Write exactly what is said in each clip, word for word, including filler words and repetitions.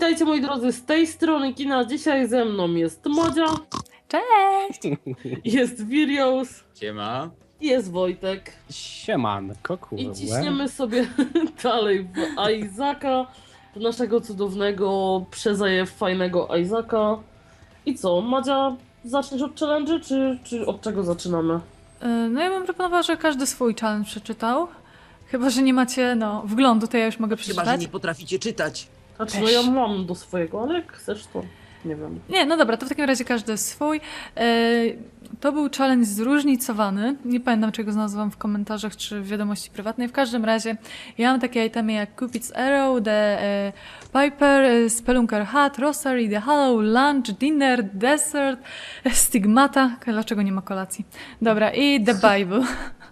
Witajcie moi drodzy z tej strony kina. Dzisiaj ze mną jest Madzia, Cześć! jest Virios Siema. i jest Wojtek. Siemanko, kurwa. I ciśniemy sobie dalej w Isaaca, w naszego cudownego, przezajew fajnego Isaaca. I co, Madzia, zaczniesz od challenge'y, czy, czy od czego zaczynamy? No ja bym proponowała, że każdy swój challenge przeczytał. Chyba, że nie macie, no, wglądu, to ja już mogę Chyba, że przeczytać. nie potraficie czytać. Znaczy, Też. no ja mam do swojego, ale jak chcesz, to nie wiem. Nie, no dobra, to w takim razie każdy swój. E, to był challenge zróżnicowany. Nie pamiętam, czego znalazłam w komentarzach czy w wiadomości prywatnej. W każdym razie ja mam takie itemy jak Cupid's Arrow, The e, Piper, e, Spelunker Hat, Rosary, The Hollow, Lunch, Dinner, Dessert, e, Stigmata. Dlaczego nie ma kolacji? Dobra, i The Bible.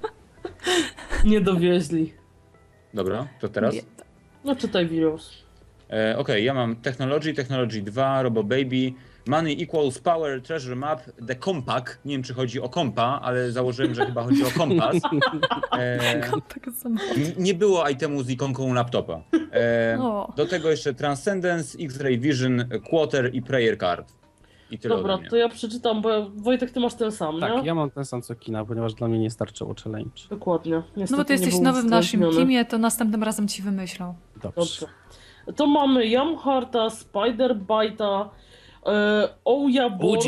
Nie dowieźli. Dobra, to teraz. Nie. No czytaj Virios. E, Okej, ja mam Technology, Technology dwa, Robo Baby, Money Equals Power, Treasure Map, The Compact. Nie wiem, czy chodzi o kompa, ale założyłem, że chyba chodzi o kompas. E, Tak samo. n- nie było itemu z ikonką laptopa. E, O. do tego jeszcze Transcendence, X-Ray Vision, Quarter i Prayer Card. I tyle Dobra, ode mnie. to ja przeczytam, bo ja- Wojtek, ty masz ten sam, Tak, nie? ja mam ten sam co kina, ponieważ dla mnie nie starczyło challenge. Dokładnie. Niestety No bo ty nie jesteś był nowy w naszym uwzględniony. teamie, to następnym razem ci wymyślą. Dobrze. Dobrze. To mamy Yamharta, Spider-Bite'a, e, Ouya Board,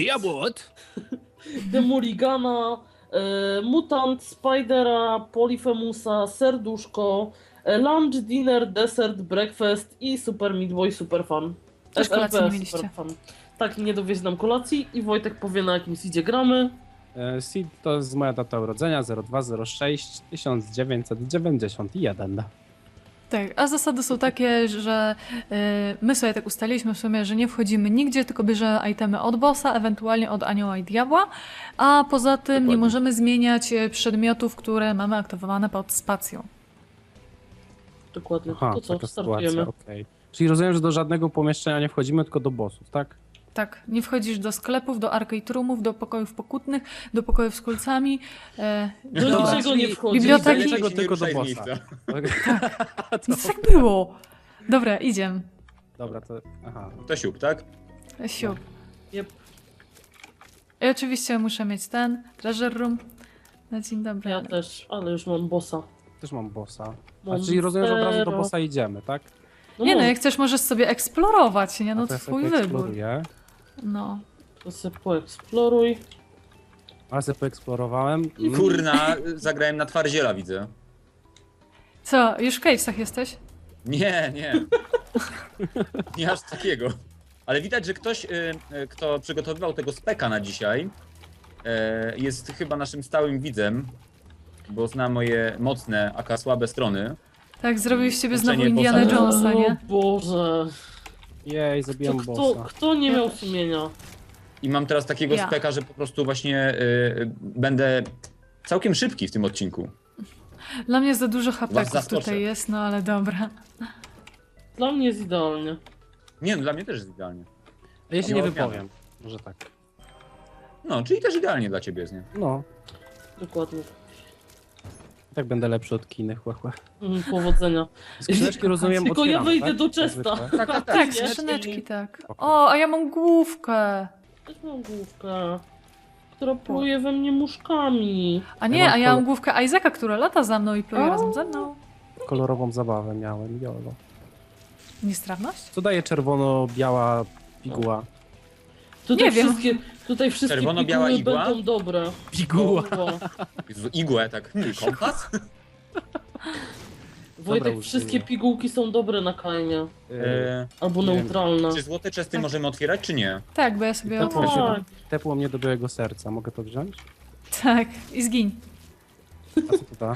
The Mulligana, e, Mutant, Spidera, Polyphemusa, Serduszko, e, Lunch, Dinner, Dessert, Breakfast i Super Meat Boy Super Fan. Też kolacji nie mieliście. Super Fan. Tak, nie dowieźli nam kolacji i Wojtek powie, na jakim seedzie gramy. E, Seed to jest moja data urodzenia, zero dwa zero sześć tysiąc dziewięćset dziewięćdziesiąt jeden. Tak, a zasady są takie, że y, my sobie tak ustaliliśmy w sumie, że nie wchodzimy nigdzie, tylko bierzemy itemy od bossa, ewentualnie od anioła i diabła, a poza tym Dokładnie. nie możemy zmieniać y, przedmiotów, które mamy aktywowane pod spacją. Dokładnie. Aha, to co, taka startujemy. sytuacja, okej. Czyli rozumiem, że do żadnego pomieszczenia nie wchodzimy, tylko do bossów, tak? Tak, nie wchodzisz do sklepów, do arcade roomów, do pokojów pokutnych, do pokojów z kulcami. E, Do do... niczego nie czyli wchodzi. biblioteki- Lepiej Czego się tylko nie ruszaj do z bossa. miejsca. Nic tak było! Dobra, idziemy. Dobra, to... Aha. To siup, tak? Siup. Jep. I oczywiście muszę mieć ten, treasure room. Na dzień dobry. Ja też, ale już mam bossa. Też mam bossa. A Mam czyli rozumiem, że od razu do zero. bossa idziemy, tak? No Nie no, może, jak chcesz, możesz sobie eksplorować, nie? A No to ja twój sobie wybór. eksploruję. No. to sobie poeksploruj. Ale sobie poeksplorowałem. Mm. Kurna, zagrałem na twardziela, widzę. Co, już w cavesach jesteś? Nie, nie. Nie aż takiego. Ale widać, że ktoś, y, y, kto przygotowywał tego speka na dzisiaj, y, jest chyba naszym stałym widzem, bo zna moje mocne, aka słabe strony. Tak, zrobił z ciebie Uczenie znowu Indiana bossa. Jonesa, O nie? Boże. Jej, To zabiłem kto, bossa. kto nie miał sumienia? I mam teraz takiego Ja. speka, że po prostu właśnie y, będę całkiem szybki w tym odcinku. Dla mnie za dużo Was hapeków zaskoczę. tutaj jest, no ale dobra. Dla mnie jest idealnie. Nie, no dla mnie też jest idealnie. A ja się No, nie odmiana. wypowiem. Może tak. No, czyli też idealnie dla ciebie jest, nie? No, Dokładnie. tak będę lepszy od kiny, chłe, chłe. Mm, powodzenia. Skrzyneczki rozumiem Tylko ja otwieramy, wyjdę tak? do Jak Chesta. zwykle. Tak, tak, Tak, Nie? skrzyneczki, tak. Okej. O, a ja mam główkę. Też mam główkę, która pluje we mnie muszkami. A Ja nie, mam a ja mam kol- główkę Isaaca, która lata za mną i pluje O. razem ze mną. Kolorową zabawę miałem, jolo. Niestrawność? Co daje czerwono-biała piguła? Tutaj Nie wiem. wszystkie, tutaj wszystkie Czerwono-biała piguły igła? będą dobre. Piguła. O, Jezu, igłę, tak. Hmm, kompas? Wojtek, użyję. wszystkie pigułki są dobre na kajnie. E, Albo Nie wiem. neutralne. czy złote czesty Tak. możemy otwierać, czy nie? Tak, bo ja sobie Tak, otworzę. właśnie. Tepło mnie do białego serca. Mogę to wziąć? Tak, i zgiń. A co to da?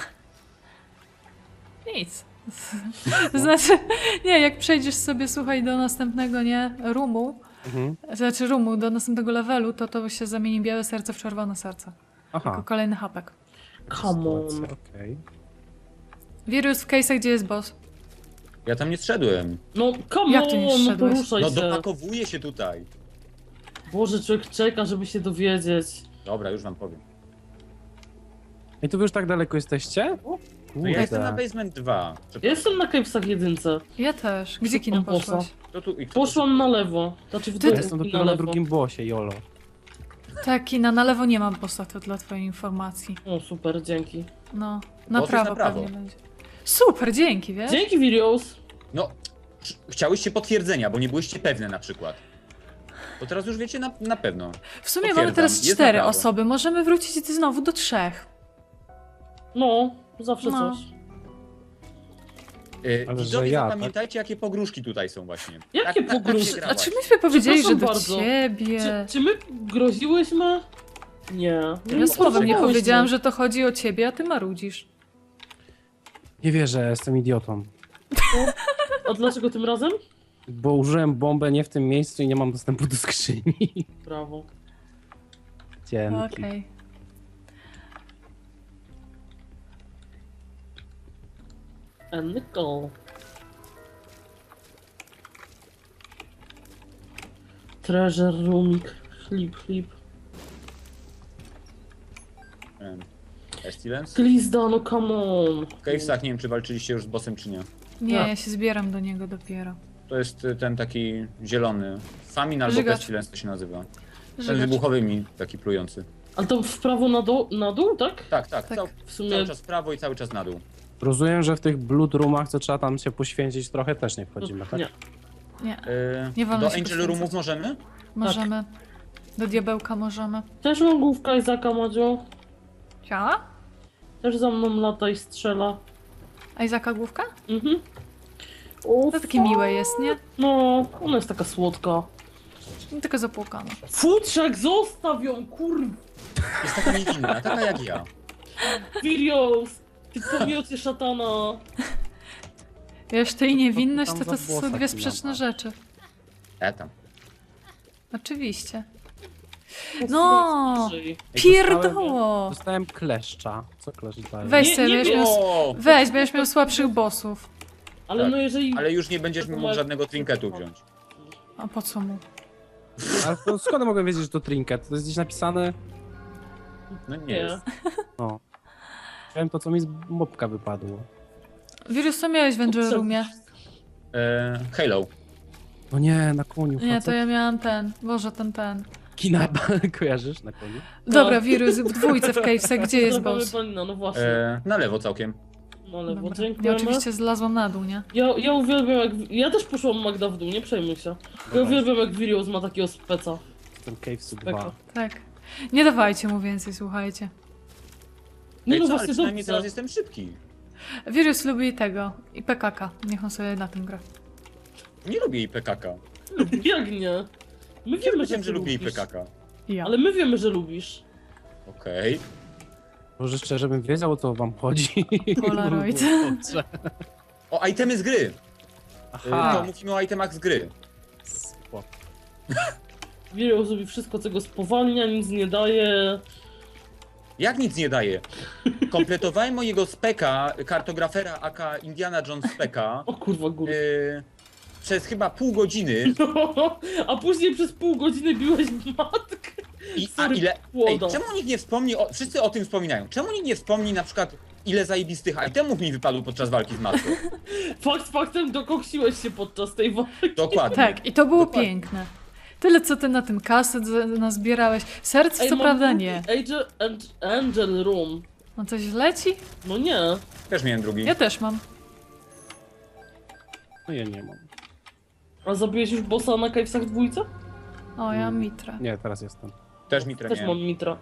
Nic. To znaczy, nie, jak przejdziesz sobie, słuchaj, do następnego, nie, roomu, Mhm. znaczy roomu, do następnego levelu, to to się zamieni białe serce w czerwone serce. Jako Aha. kolejny hapek. Come on. Sytuacja, okej. Wirus w case'ach, gdzie jest boss? Ja tam nie zszedłem. No come Jak tu nie on, no zszedłeś? poruszaj No się. dopakowuję się tutaj. Boże, człowiek czeka, żeby się dowiedzieć. Dobra, już wam powiem. I tu wy już tak daleko jesteście? No ja jestem na Kurde. basement dwa. Ja jestem na Cavesach jedynce. Ja też. Gdzie kino Szukam bossa. poszłaś? To tu, i kto Poszłam na lewo. Znaczy w Ty- Ja dół jestem i na dopiero na lewo. drugim bossie, jolo. Tak, kina na lewo nie mam bossa, to dla twojej informacji. O, super, dzięki. No, na jest prawo, na prawo. pewnie będzie. Super, dzięki, wiesz? Dzięki, Virios. No, ch- chciałyście potwierdzenia, bo nie byłyście pewne na przykład. To teraz już wiecie na, na pewno. W sumie Potwierdzam, mamy teraz jest na cztery prawo. osoby, możemy wrócić znowu do trzech. No, zawsze No. coś. Yy, Ale że widzowie, ja, zapamiętajcie, jakie pogróżki tutaj są właśnie. Jakie Tak- tak- tak się pogróżki? grałaś. A czy myśmy powiedzieli, że Przepraszam do bardzo. ciebie? Czy, czy my groziłyśmy? Nie. Ja słowem nie groziłyśmy. powiedziałam, że to chodzi o ciebie, a ty marudzisz. Nie wierzę, jestem idiotą. A dlaczego tym razem? Bo użyłem bombę nie w tym miejscu i nie mam dostępu do skrzyni. Brawo. Dzięki. Okej. And Nicole. Treasure roomik. Flip, flip. Em, Pestilence? Glizda, no come on. W Cavesach nie wiem, czy walczyliście już z bossem, czy nie. Nie, Tak. ja się zbieram do niego dopiero. To jest y, ten taki zielony. Famin albo Żygacz. Pestilence to się nazywa. Ten Żygacz. wybuchowymi, taki plujący. Ale to w prawo na, dół, na dół, tak? Tak, tak, Tak. Cał, W sumie cały czas w prawo i cały czas na dół. Rozumiem, że w tych blood roomach, co trzeba tam się poświęcić trochę, też nie wchodzimy, tak? nie. Nie, Yy, Nie wolno do się Angel poświęcać. Roomów możemy? możemy. Do diabełka możemy. Też mam główka Izaka, Madziu. Ja? Też za mną lata i strzela. A Izaka główka? Mhm. O, To takie miłe jest, nie? No, ona jest taka słodka. No, tylko zapłukana. Futrzak, zostaw ją, kurwa! Jest taka niewinna, taka jak ja. Virios! Ty pomiocie szatana! Wiesz, ty i niewinność tam to, to za są włosa dwie chwila sprzeczne ma. rzeczy. E tam. Oczywiście. No! Ej, Pierdoło! Dostałem kleszcza. Co kleszcz daje? Weź Nie, sobie, nie będziesz miał... O! Weź, będziesz miał słabszych bossów. Ale Tak, no jeżeli... Ale już nie będziesz mógł żadnego trinketu wziąć. A po co mu? Ale to skąd mogę wiedzieć, że to trinket? To jest gdzieś napisane? No nie Nie. jest. No. Wiem to, co mi z mopka wypadło. Wirus, co miałeś w Angel Roomie? E, Halo. No nie, na koniu. Nie, to facet. ja miałam ten. Boże, ten, ten. Kina kojarzysz na koniu? Dobra, wirus, w dwójce w Cavesach, gdzie jest Zabawmy boss? panina, no właśnie. E, na lewo całkiem. Na lewo, Dobra. Ja dziękujemy. oczywiście zlazłam na dół, nie? Ja, ja uwielbiam jak... Ja też poszłam Magda w dół, nie przejmuj się. Ja Dobra. uwielbiam jak Virios ma takiego speca. Ten Cavesu Speko. dwa. Tak. Nie dawajcie mu więcej, słuchajcie. Nie Ej, no co, ale właśnie przynajmniej dobrze. teraz jestem szybki. Wirus lubi tego. I P K K. Niech on sobie na tym gra. Nie lubię jej P K K. Jak nie? My Nie wiemy, że wiem, ty że lubię jej P lubisz. K K. Ja. Ale my wiemy, że lubisz. Okej. Może szczerze bym wiedział, o co wam chodzi. Polaroid. Dobrze. O, itemy z gry. E, to Aha. mówimy o itemach z gry. Spoko. Virios robi wszystko, co go spowalnia, nic nie daje. Jak nic nie daje. Kompletowałem mojego speka, kartografera aka Indiana Jones speka, O kurwa, góry. e, przez chyba pół godziny. No, a później przez pół godziny biłeś matkę. I, a Sorry, ile. Ej, płoda. czemu nikt nie wspomni, o, wszyscy o tym wspominają, czemu nikt nie wspomni na przykład ile zajebistych itemów mi wypadło podczas walki z matką? Fakt faktem dokoksiłeś się podczas tej walki. Dokładnie. Tak, i to było Dokładnie. piękne. Tyle, co ty na tym kaset z- nazbierałeś. Serc, co mam prawda drugi nie. Angel, Angel, Angel Room. No coś leci? No nie. Też miałem drugi. Ja też mam. No ja nie mam. A zabiłeś już bossa na Cavesach dwójce? O, ja mam Mitra. Nie, teraz jestem. Też mi Też treniłem. mam Mitra.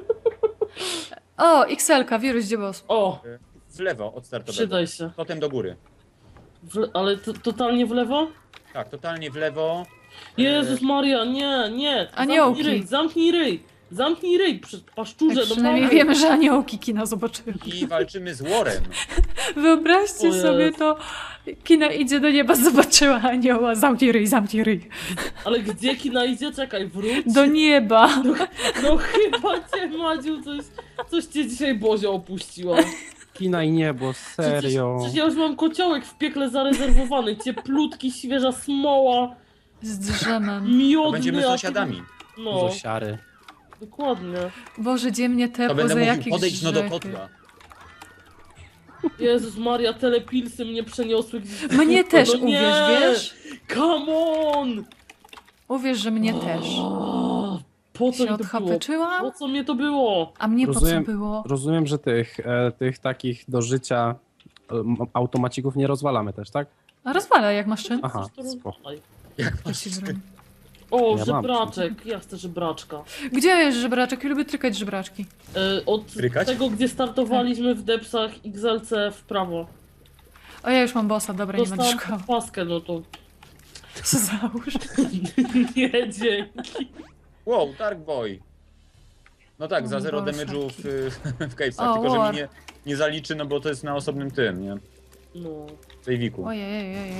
O, X L ka, wirus, gdzie boss? O, W lewo od startowego. przydaj się. Potem do góry. W le- ale to, totalnie w lewo? Tak, totalnie w lewo. Jezus Maria, nie, nie. Aniołki. Zamknij ryj, zamknij ryj. Zamknij ryj, przy paszczurze, Tak, no przynajmniej mały. wiemy, że aniołki kina zobaczyły. I walczymy z Warem. Wyobraźcie O sobie Jezu. to. Kina idzie do nieba, zobaczyła anioła. Zamknij ryj, zamknij ryj. Ale gdzie kina idzie? Czekaj, wróć. Do nieba. No chyba cię, Madziu, coś, coś cię dzisiaj Bozia opuściła. Kina i niebo, serio. Przecież, przecież ja już mam kociołek w piekle zarezerwowany, cieplutki, świeża smoła, Z drzemem. To miodny. będziemy a- sąsiadami. No, Dużo siary. dokładnie. Boże, gdzie mnie To te będę poza mówił, jakich podejdź no do grzechy. kotła. Jezus Maria, telepilsy mnie przeniosły gdzieś. Mnie też, No nie! uwierz, wiesz? Come on! Uwierz, że mnie też. O, po co Się mi to było? odchapeczyłam? Po co mnie to było? A mnie po Rozumiem. co było? Rozumiem, że tych, e, tych takich do życia e, m- automacików nie rozwalamy też, tak? A rozwala jak masz czyn. Aha, Coś to spoko. rozwalaj. Jak To masz... ci broń. O, Ja mam. żebraczek. Ja chcę żebraczka. Gdzie jest żebraczek? Ja lubię trykać żebraczki. E, od Trykać? tego, gdzie startowaliśmy w depsach X L C w prawo. O, ja już mam bossa, dobra, nie będę Dostałam szukał. paskę, no to Co załóż? nie, dzięki. Wow, Dark Boy. No tak, O, za zero Boże. damage'u w, w Cavesach, O, tylko że war. mi nie, nie zaliczy, no bo to jest na osobnym tym, nie? No. W sejwiku. Ojej, ojej, ojej.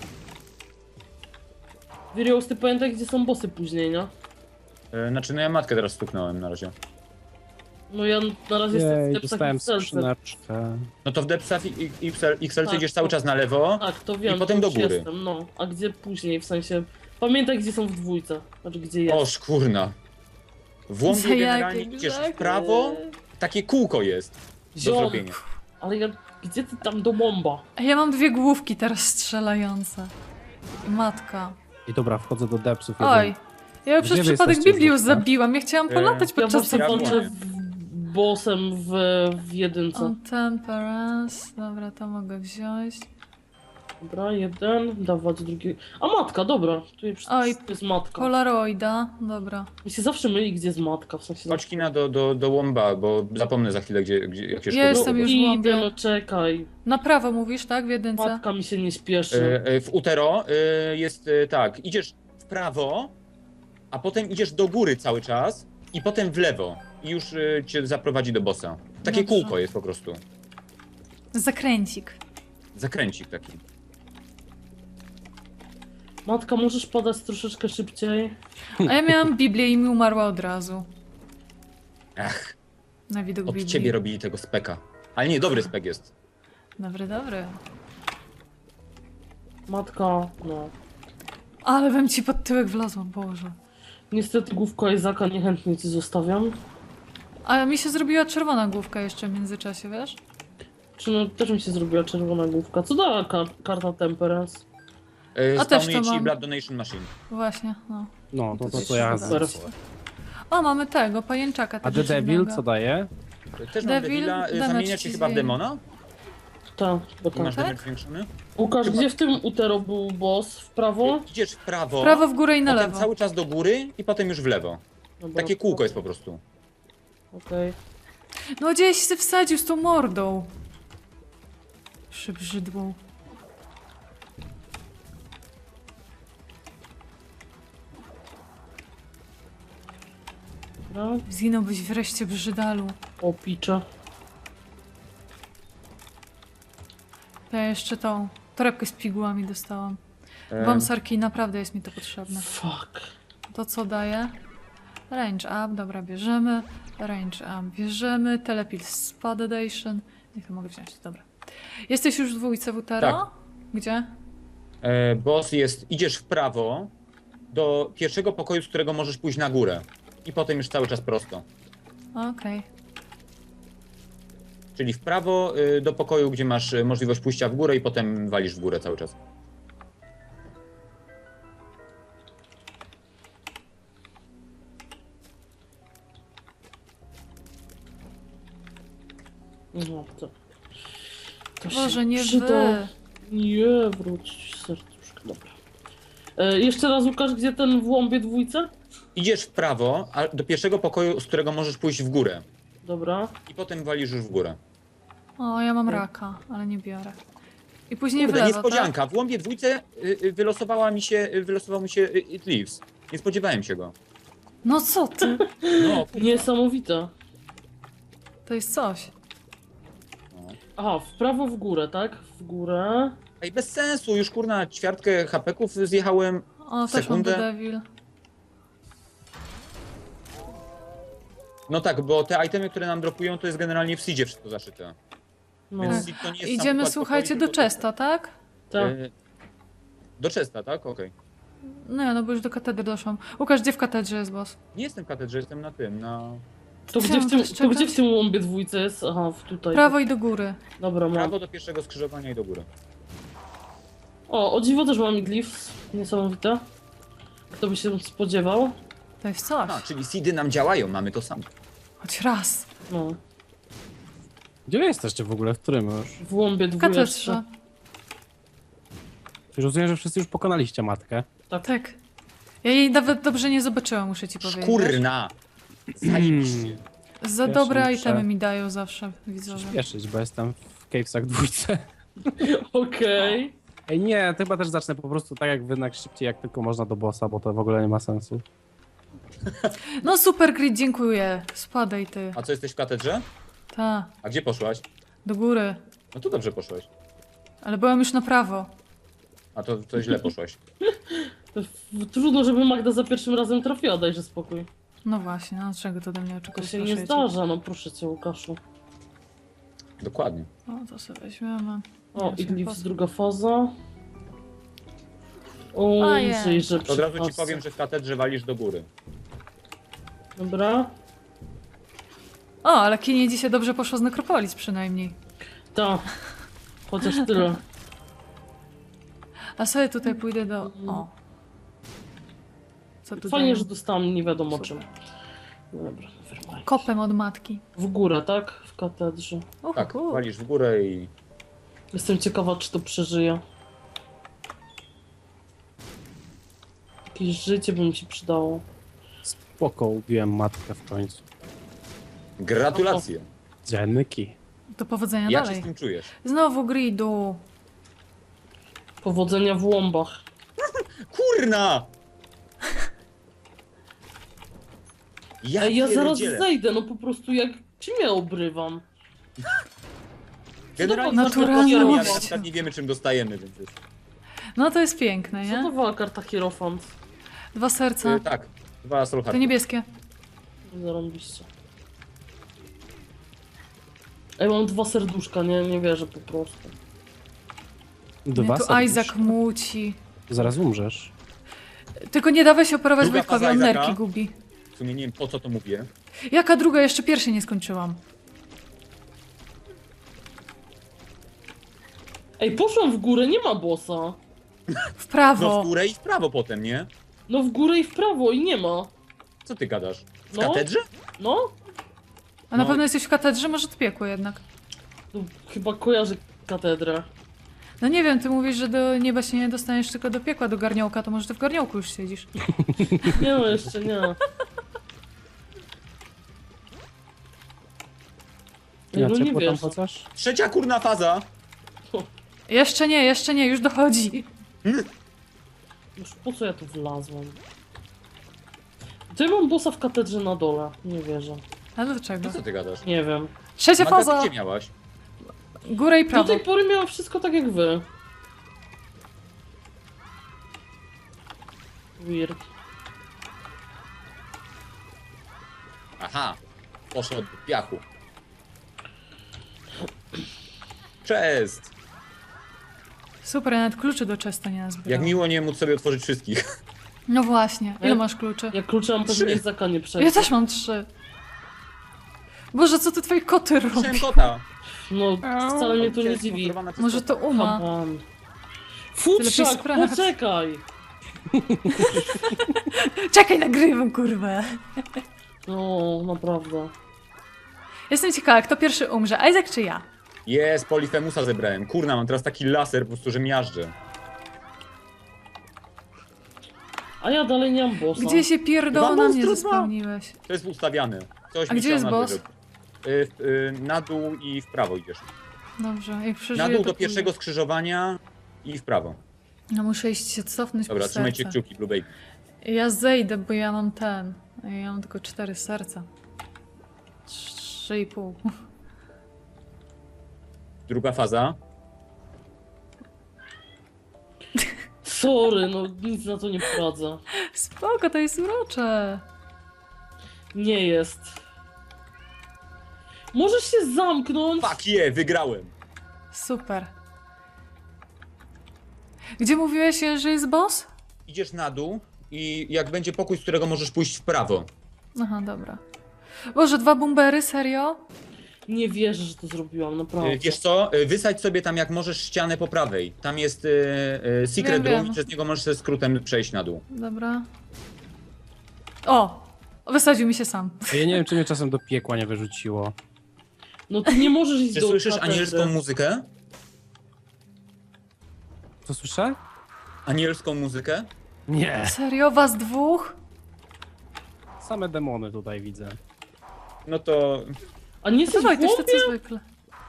Wirios, ty pamiętaj, gdzie są bossy później, nie? E, Znaczy, no ja matkę teraz stuknąłem na razie. No ja na razie jestem w Jej, depsach dostałem X L C. skrzyneczkę. No to w Depsach i i- X L C Tak, idziesz cały to- czas na lewo. Tak, to wiem. I potem to do już góry. Jestem, no. A gdzie później, w sensie... Pamiętaj, gdzie są w dwójce. Znaczy, gdzie jest. O, szkurna. W łąbie Za generalnie jakie idziesz w grzechy? prawo, takie kółko jest do Ziom. zrobienia. Ale ja... Gdzie ty tam do bomba? A ja mam dwie główki teraz strzelające. I matka. I dobra, wchodzę do depsów. Oj. Ja Gdzie przez wy przypadek jesteście Biblius z boku? zabiłam. Ja chciałam E, polatać Ja podczas właśnie ja zabicia. walczę byłem. w... bossem w, w jedynce. On temperance. Dobra, to mogę wziąć. Dobra, jeden, dawać drugi. A matka, dobra. Tu jest, Oj, jest matka. Polaroida. Dobra. Mi się zawsze myli, gdzie jest matka, w sensie... Chodź kina do, do, do łąba, bo zapomnę za chwilę, gdzie, gdzie jak się Ja jestem szkoda. już w Idę, łąbie. no czekaj. Na prawo mówisz, tak? W jedynce? Matka mi się nie śpieszy. E, e, W Utero e, jest e, tak, idziesz w prawo, a potem idziesz do góry cały czas i potem w lewo. I już e, cię zaprowadzi do bossa. Takie Dobrze. kółko jest po prostu. Zakręcik. Zakręcik taki. Matka, możesz podać troszeczkę szybciej? A ja miałam Biblię i mi umarła od razu. Ach, Na widok od Biblii. ciebie robili tego speka. Ale nie, dobry spek jest. Dobry, dobry. Matka, no. Ale bym ci pod tyłek wlazłam, Boże. Niestety główko Izaka niechętnie ci zostawiam. A mi się zrobiła czerwona główka jeszcze w międzyczasie, wiesz? Czy no, też mi się zrobiła czerwona główka. Co dała kar karta Temperance? E, A też Spawnuje to ci mam. Blood Donation Machine. Właśnie, no. No, to to To co ja super. znam. O, mamy tego, pajęczaka. A tego The Devil dziwnego. co daje? Też mam Devil, Devila, e, damage zamienia cię ci chyba w zwiększa. demona? Tak, bo I tak. masz Tak? damage zwiększony? Łukasz, Chyba- gdzie w tym utero był boss? W prawo? Idziesz w prawo, W prawo, w górę i na potem lewo. cały czas do góry i potem już w lewo. Dobra, Takie kółko jest po prostu. Okej. No gdzieś się wsadził z tą mordą. Przybrzydłą. Dobra. Zginąłbyś wreszcie brzydalu. O, picze. Ja jeszcze tą torebkę z pigułami dostałam. E, Wam sarki, naprawdę jest mi to potrzebne. Fuck. To co daje? Range up, dobra, bierzemy. Range up, bierzemy. Telepil Spadation. Niech to mogę wziąć, dobra. Jesteś już w dwójce w Utero? Tak. Gdzie? e, boss jest, idziesz w prawo do pierwszego pokoju, z którego możesz pójść na górę. I potem już cały czas prosto. Okej. Czyli w prawo y, do pokoju, gdzie masz y, możliwość pójścia w górę i potem walisz w górę cały czas. No, to... to Boże, się nie przyda. wy. Nie, wróć serduszko, dobra. E, jeszcze raz, Łukasz, gdzie ten w łąbie dwójce? Idziesz w prawo a do pierwszego pokoju, z którego możesz pójść w górę. Dobra. I potem walisz już w górę. O, ja mam raka, ale nie biorę. I później Kurde, w lewo, tak? niespodzianka. W łąbie dwójce y, y, wylosowała mi się, y, wylosował mi się y, It Lives. Nie spodziewałem się go. No co ty? No, Niesamowite. To jest coś. Aha, w prawo, w górę, tak? W górę. ej, bez sensu, już kurna ćwiartkę hapeków zjechałem. O, też mam Sekundę. The Devil. No tak, bo te itemy, które nam dropują, to jest generalnie w seedzie wszystko zaszyte. No, Więc seed to nie jest sam Idziemy, układ słuchajcie, pokoi, do tylko- Chesta, tak? tak. Y, Do Chesta, tak? Okej. No ja, no bo już do katedry doszłam. Łukasz, gdzie w katedrze jest boss? Nie jestem w katedrze, jestem na tym, na... To Co, gdzie, w tym, możesz to gdzie czekać? w tym łąbie dwójce jest? Aha, w tutaj. Prawo i do góry. Dobra, mam. Prawo do pierwszego skrzyżowania i do góry. O, o dziwo też mam glif. Niesamowite. Kto by się spodziewał? To jest coś. A, czyli seedy nam działają, mamy to samo. Choć raz. No, Gdzie wy jesteście w ogóle? W którym już? w łąbie dwójce. Katedrze. Już rozumiem, że wszyscy już pokonaliście matkę. Tak. Ja jej nawet dobrze nie zobaczyłam, muszę ci powiedzieć. Szkurna! Zajebiście. Za Ja dobre się itemy muszę- mi dają zawsze widzowie. Spieszyć, bo jestem w Cavesach dwójce. Okej. Ej, nie, to chyba też zacznę po prostu tak jak wy, jak szybciej jak tylko można do bossa, bo to w ogóle nie ma sensu. No super grid, dziękuję. Spadaj ty. A co, jesteś w katedrze? Ta, A gdzie poszłaś? do góry. No to dobrze poszłaś. Ale byłam już na prawo. A to, to źle poszłaś. Trudno, żeby Magda za pierwszym razem trafiła, dajże spokój. No właśnie, no czego to ode mnie To oczekujesz? się nie proszę cię? zdarza, no proszę cię, Łukaszu. Dokładnie. O, to sobie weźmiemy. O, Ja się Iglif poz- druga faza. O, Ojej. Jezus, że To od razu ci przy powiem, że w katedrze walisz do góry. Dobra. O, ale Kinie dzisiaj dobrze poszło z Nekropolis przynajmniej. Tak. Chociaż tyle. A sobie tutaj pójdę do... O. Co tu Fajnie, dają? że dostałam nie wiadomo Super. czym. Dobra, wyrwaj. Kopem od matki. W górę, tak? W katedrze. Uhu, Tak, uhu. walisz w górę i... Jestem ciekawa, czy to przeżyje. Jakieś życie by mi się przydało. Spoko, ubiłem matkę w końcu. Gratulacje. Dziennyki. Do powodzenia Jak się dalej. z tym czujesz? Znowu gridu. Powodzenia w łąbach. Kurna! Ja, Ej, ja zaraz pierdzielę. zejdę, no po prostu jak ciemię obrywam. Generalnie Naturalnie. ale Naturalność. na przykład nie wiemy czym dostajemy, więc jest... No to jest piękne, Co to nie? była karta Hierofant? Dwa serca. Y, tak, dwa soul To hearty. niebieskie. Zarąbiście. Ej, mam dwa serduszka, nie, nie wierzę po prostu. Dwa Mnie tu serduszka. Isaac muci. Zaraz umrzesz. Tylko nie dawaj się operować Druga Wojtkowi, faza on Isaaca. nerki gubi. W sumie nie wiem po co to mówię. Jaka druga? Jeszcze pierwszej nie skończyłam. Ej, poszłam w górę, nie ma bossa. W No prawo. w górę i w prawo potem, nie? No w górę i w prawo i nie ma. Co ty gadasz? W No. katedrze? No, A na No. pewno jesteś w katedrze? Może to piekło jednak. to chyba kojarzę katedrę. No nie wiem, ty mówisz, że do nieba się nie dostaniesz, tylko do piekła, do garniołka, to może ty w garniołku już siedzisz. Nie no, jeszcze nie. Ej, Ja no nie ciepło tam wiesz. chociaż? Trzecia kurna faza! Jeszcze nie, jeszcze nie, już dochodzi. Już po co ja tu wlazłam? To ja mam bossa w katedrze na dole. Nie wierzę. A dlaczego? No co ty gadasz? Nie wiem. Trzecia Magda, faza! ty gdzie miałaś? Górę i Do prawo. tej pory miałam wszystko tak jak wy. Weird. Aha, poszło do piachu. Cześć! Super, ja nawet kluczy do Chesta nie Jak nazbierałam. miło nie móc sobie otworzyć wszystkich. No właśnie, ile Ja- masz kluczy? Jak klucze mam Trzy. pewnie Izaka nie przejdzie. Ja też mam trzy. Boże, co ty twoje koty robią? Słyszałem kota. No, wcale mnie to nie dziwi. Sponsorowana przez Może kota. to Uma? Come on. lepiej Futrzak, sprawdź. poczekaj! Czekaj, nagrywam, kurwa. No, naprawdę. Jestem ciekawa, kto pierwszy umrze, Isaac czy ja? Jest, Polifemusa zebrałem. Kurna, mam teraz taki laser po prostu, że miażdżę. A ja dalej nie mam bossa. Gdzie się pierdolę Dwa na mnie monstru, zespełniłeś? To jest ustawiane. Coś A mi gdzie się jest na boss? wyżej. Y, y, na dół i w prawo idziesz. Dobrze, jak przeżyję, Na dół to do pierwszego pójdę. skrzyżowania i w prawo. No muszę iść się cofnąć Dobra, po trzymajcie serce. kciuki, Blue Baby. Ja zejdę, bo ja mam ten. Ja mam tylko cztery serca. Trzy i pół. Druga faza. Sorry, no nic na to nie poradzę. Spoko, to jest urocze. Nie jest. Możesz się zamknąć? Fuck yeah, wygrałem. Super. Gdzie mówiłeś, że jest boss? Idziesz na dół i jak będzie pokój, z którego możesz pójść w prawo. Aha, dobra. Boże, dwa bumbery, serio? Nie wierzę, że to zrobiłam, naprawdę. Y, Wiesz co, y, wysadź sobie tam jak możesz ścianę po prawej. Tam jest y, y, secret Wiem, room wiem. i przez niego możesz ze skrótem przejść na dół. Dobra. O! Wysadził mi się sam. Ja nie wiem, czy mnie czasem do piekła nie wyrzuciło. No ty nie możesz iść Czy do słyszysz katedry. anielską muzykę? Co słyszę? Anielską muzykę? Nie. Serio? Was dwóch? Same demony tutaj widzę. No to... A nie To jesteś Wojtuś, w to głąbie? co zwykle.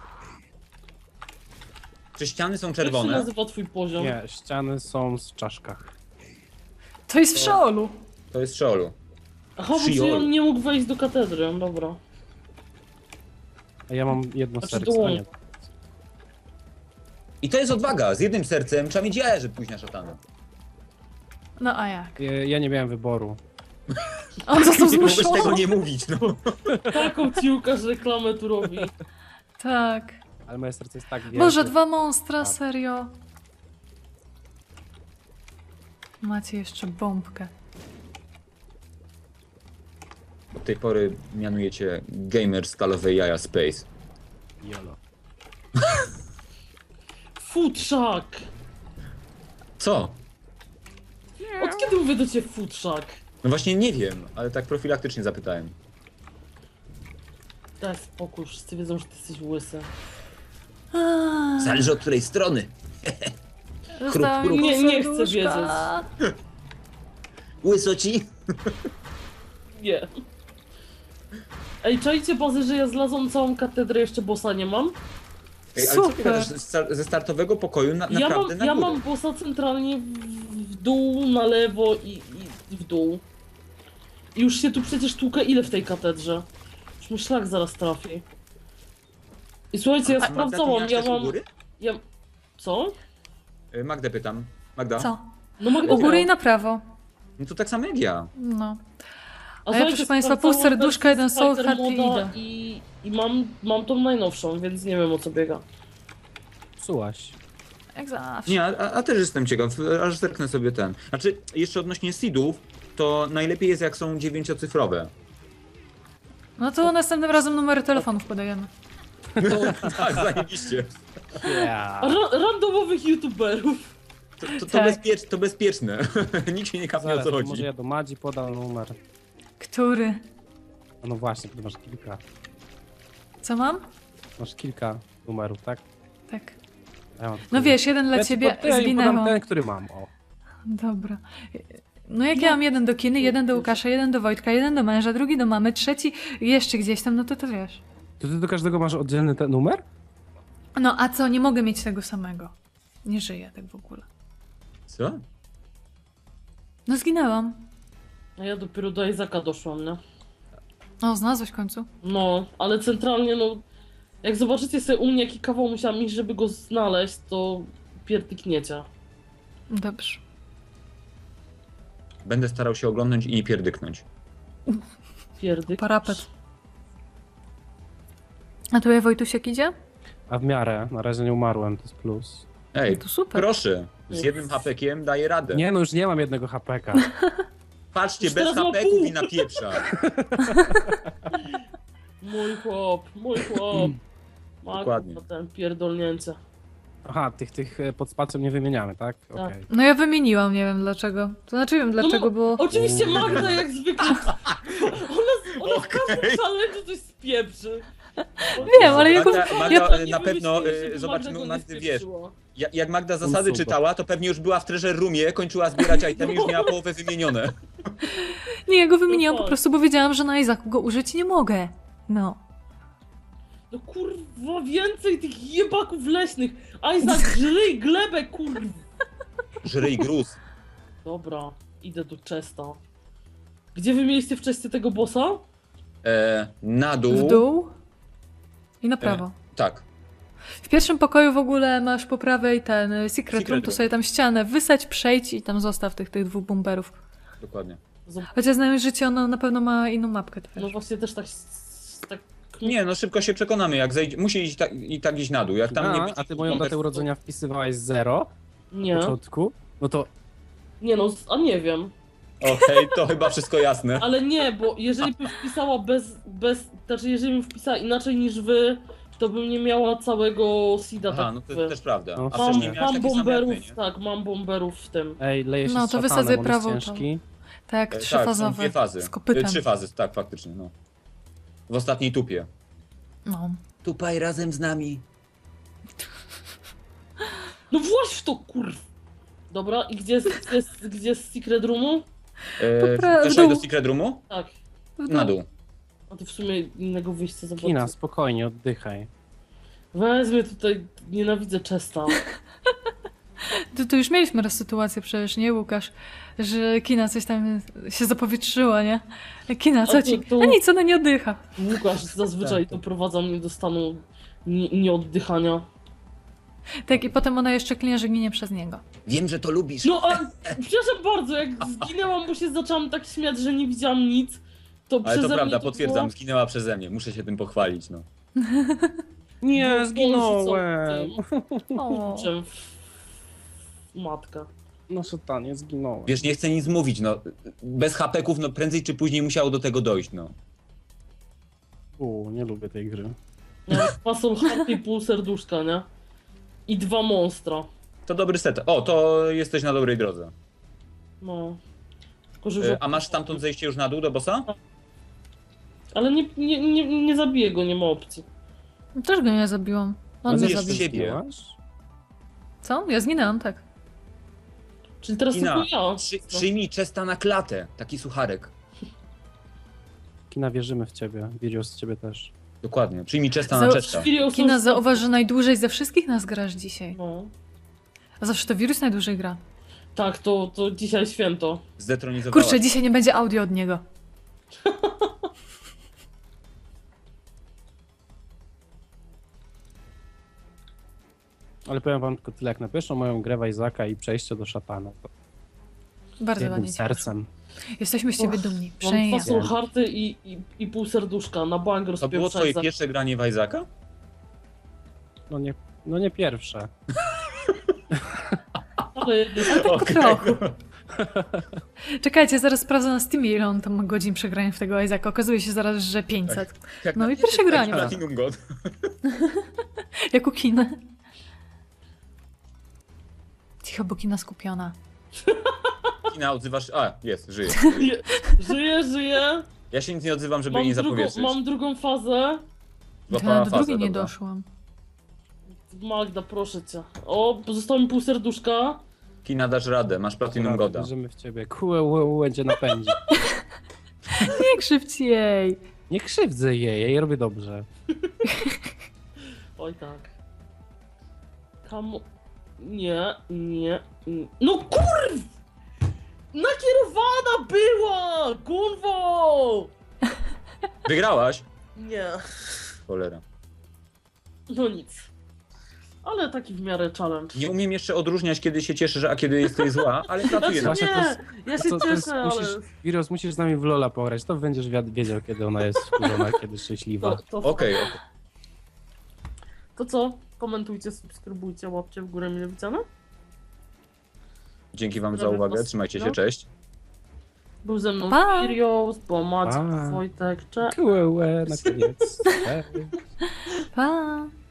Czy ściany są Jak się czerwone? nazywa twój poziom? Nie, ściany są z czaszkach. To jest w Szeolu. To jest Szeolu. Aha, bo Shiol. czyli on nie mógł wejść do katedry, dobra. A ja mam jedno Znaczy serce, a dłoń. nie. I to jest odwaga. Z jednym sercem trzeba mieć jaja, żeby pójść na szatana. No a jak? Ja, ja nie miałem wyboru. On został Nie mogłeś zmuszony. tego nie mówić, no. Taką ci Łukasz reklamę tu robi. Tak. Ale moje serce jest tak wielkie. Boże, dwa monstra, serio. Macie jeszcze bombkę. Od tej pory mianujecie gamer stalowe jaja Space. Jolo. Futrzak! Co? Od kiedy mówię do ciebie futrzak? No właśnie nie wiem, ale tak profilaktycznie zapytałem. Daj spokój, wszyscy wiedzą, że ty jesteś łysy. Aaa, Zależy od której strony. zostało chrup. mi Nie- nie chcę serduszka. Łysoci? Nie. Ej, czajcie bazy, że ja zlazłam całą katedrę, jeszcze bossa nie mam? Ej, ale co ty Super. gadasz? Ze star- ze startowego pokoju na, Ja naprawdę mam, na ja górę. mam bossa centralnie w, w dół, na lewo i, i w dół. I już się tu przecież tłukę ile w tej katedrze? Już mi szlak zaraz trafi. I słuchajcie, ja A Magda, ty sprawdzałam, miałaś ja też u mam... góry? Ja... Co? Y, Magdę pytam. Magda? Co? No Magda U góry miała. i na prawo. No to tak samo jak ja. No. A ja, słuchajcie, proszę państwa, pół sprawdzałam serduszka, wersję jeden soul Spider heart i moda idę. I, i mam, mam tą najnowszą, więc nie wiem o co biega. Psułaś. Jak zawsze. Nie, a, a też jestem ciekaw, aż zerknę sobie ten. Znaczy, jeszcze odnośnie seedów, to najlepiej jest jak są dziewięciocyfrowe. No to następnym razem numery telefonów podajemy. Tak, zajebiście. Yeah. A ra randomowych youtuberów. To, to, to, Tak. bezpiecz, to bezpieczne. Nikt się nie kapnie o Zaraz, co może chodzi. ja do Madzi podam numer. Który? A no właśnie, ty masz kilka. Co mam? Masz kilka numerów, tak? Tak. Ja mam No tylko- wiesz, jeden dla ja ci ciebie pod- ja im zginęło. podam ten, który mam. O. Dobra. No jak ja mam jeden do Kiny, jeden do Łukasza, jeden do Wojtka, jeden do męża, drugi do mamy, trzeci jeszcze gdzieś tam, no to to wiesz. To ty do każdego masz oddzielny ten numer? No a co, nie mogę mieć tego samego. Nie żyję tak w ogóle. Co? No zginęłam. A ja dopiero do Izaka doszłam, nie? No, znalazłeś w końcu. No, ale centralnie no... Jak zobaczycie sobie u mnie jaki kawał musiałam iść, żeby go znaleźć, to pierdykniecie. Dobrze. Będę starał się oglądać i nie pierdyknąć. Pierdyk. Parapet. A tu Wojtusiek idzie? A w miarę, na razie nie umarłem, to jest plus. Ej, No to super. proszę, z jednym hapekiem daję radę. Nie no, już nie mam jednego hapeka. Patrzcie, Już bez teraz ma hapeków pół. i na pieprza. Mój chłop, mój chłop. Ma Dokładnie. kurwa, ten pierdolnięcie. Aha, tych, tych e, pod spacją nie wymieniamy, tak? Okej. No ja wymieniłam, nie wiem dlaczego. To znaczy wiem dlaczego, no, bo... Oczywiście Magda jak zwykle. Ona, ona w każdym challenge coś spieprzy. Wiem, ale ja go- Magda, Magda ja- e, Nie na pewno wymyślili, żeby e, zobaczymy Magda u go Magdy, nie wiesz, spieprzyła. ja- jak Magda zasady Super. czytała, to pewnie już była w treasure roomie, kończyła zbierać itemy, już miała połowę wymienione. Nie, ja go wymieniłam No po tak. prostu, bo wiedziałam, że na Izaku go użyć nie mogę. No. No kurwa, więcej tych jebaków leśnych. Isaac, żyj glebę, kurwa. Żryj gruz. Dobra, idę do Chesta. Gdzie wy mieliście w Chestie tego bossa? E, na dół. W dół i na prawo. Tak. W pierwszym pokoju w ogóle masz po prawej ten y, secret, Secret room, to room. sobie tam ścianę wysadź, przejdź i tam zostaw tych, tych dwóch bumperów. Dokładnie. Zob- Chociaż znając życie, ono na pewno ma inną mapkę. To No wiesz. właśnie też tak... tak... Nie, no szybko się przekonamy, jak zejdzie, musi iść tak, i tak iść na dół, jak tam nie A, będzie... a ty moją datę urodzenia wpisywałaś zero Nie, w początku? No to nie no, a nie wiem. Okej, to chyba wszystko jasne. Ale nie, bo jeżeli bym wpisała bez, bez, znaczy jeżeli bym wpisała inaczej niż wy, to bym nie miała całego seeda Aha, tak no jak to wy. też prawda. No, A Mam, wcześniej miałeś mam takie same jak bomberów, my, nie? tak, mam bomberów w tym. Ej, leje się No, z to szatanem, wysadzę on prawą jest tą. ciężki. Tak, E, trzyfazowe. Tak, są dwie fazy. Z kopytem. E, Trzy fazy, tak, faktycznie, no. W ostatniej tupie. No. Tupaj razem z nami. No właśnie w to kurw! Dobra, i gdzie jest, gdzie jest, gdzie jest secret roomu? E, pra- Weszłaś dół. do secret roomu? Tak. Na dół. A to w sumie innego wyjścia za Kina, bardzo. spokojnie, oddychaj. Wezmę tutaj, nienawidzę Chesta. To, to już mieliśmy raz sytuację przecież, nie Łukasz? Że Kina coś tam się zapowietrzyła, nie? Kina, co A ci? to- to- A nic, ona nie oddycha. Łukasz zazwyczaj Tak, tak. doprowadza mnie do stanu nie- nieoddychania. Tak, i potem ona jeszcze klinie, że ginie przez niego. Wiem, że to lubisz. No a przepraszam bardzo, jak zginęłam, bo się zaczęłam tak śmiać, że nie widziałam nic, to Ale przeze to prawda, mnie potwierdzam, było... zginęła przeze mnie. Muszę się tym pochwalić, no. Nie, było zginąłem. tym O. kurczem w- Matka. No szatanie, zginąłem. Wiesz, nie chcę nic mówić, no. Bez hapeków, no prędzej czy później musiało do tego dojść, no. U, nie lubię tej gry. Miałeś fasol harty i pół serduszka, nie? I dwa monstra. To dobry set. O, to jesteś na dobrej drodze. No. Tylko, że już E, A masz stamtąd zejście już na dół do bossa? Ale nie, nie, nie, nie zabiję go, nie ma opcji. Też go nie zabiłam. On mnie zabijesz zabił. siebie. Zginęłaś? Co? Ja zginęłam, tak. Czyli teraz Kina, tylko ja. przy, No. przyjmij Chesta na klatę. Taki sucharek. Kina, wierzymy w ciebie. Virios w ciebie też. Dokładnie. Przyjmij Chesta Za- na Chesta. Chwilę Kina, osób- zauważ, że najdłużej ze wszystkich nas grasz dzisiaj. No. A zawsze to wirus najdłużej gra. Tak, to, to dzisiaj święto. Zdetronizowała. Kurczę, dzisiaj nie będzie audio od niego. Ale powiem wam tylko tyle, jak na pierwszą moją grę w Isaaca i przejście do szatana, to Bardzo jednym ładnie. sercem. Jesteśmy z ciebie Och, dumni. Mam Przejęcie. fasol harty i, i, i pół serduszka. Na bank To było rozpieprzać twoje za... pierwsze granie w Isaaca? No nie, no nie pierwsze. Ale jedno- Tak trochę. Czekajcie, zaraz sprawdzę na Steamie, ile on tam ma godzin przegrania w tego Isaaca. Okazuje się zaraz, że pięćset. Jak No na i pierwsze pierwsze granie. Platinum God. Jak u Kiny. Cicho, bo Kina skupiona. Kina, odzywasz... A, jest, żyje. Je- Żyję, żyję. Ja się nic nie odzywam, żeby jej Mam nie drugą, zapowietrzyć. mam drugą fazę. Złapała Ja do fazę, drugiej nie dobra. doszłam. Magda, proszę cię. O, pozostało mi pół serduszka. Kina, dasz radę, masz Platinum Dobra, Goda. wierzymy w ciebie. Kue będzie napędzi. Nie krzywdź jej. Nie krzywdzę jej, ja jej robię dobrze. Oj tak. Kamu... Nie, nie, nie. No kurw! Nakierowana była! Kurwo! Wygrałaś? Nie. Cholera. No nic. Ale taki w miarę challenge. Nie umiem jeszcze odróżniać, kiedy się cieszysz, a kiedy jesteś zła, ale pracuję na Znaczy, tym. Właśnie nie, to ja To, się to jest, cieszę, ale... musisz, Virios, musisz z nami w Lola pograć, to będziesz wiad- wiedział, kiedy ona jest wkurzona, kiedy szczęśliwa. To, to, Okej, okej. to co? Komentujcie, subskrybujcie, łapcie w górę mile widziane. Dzięki wam za Dobra, uwagę, was- trzymajcie się, no. cześć. Był ze mną Pa! Firios, bo Maciek, Pa! Wojtek, cześć. Kue na koniec. Cześć. Pa.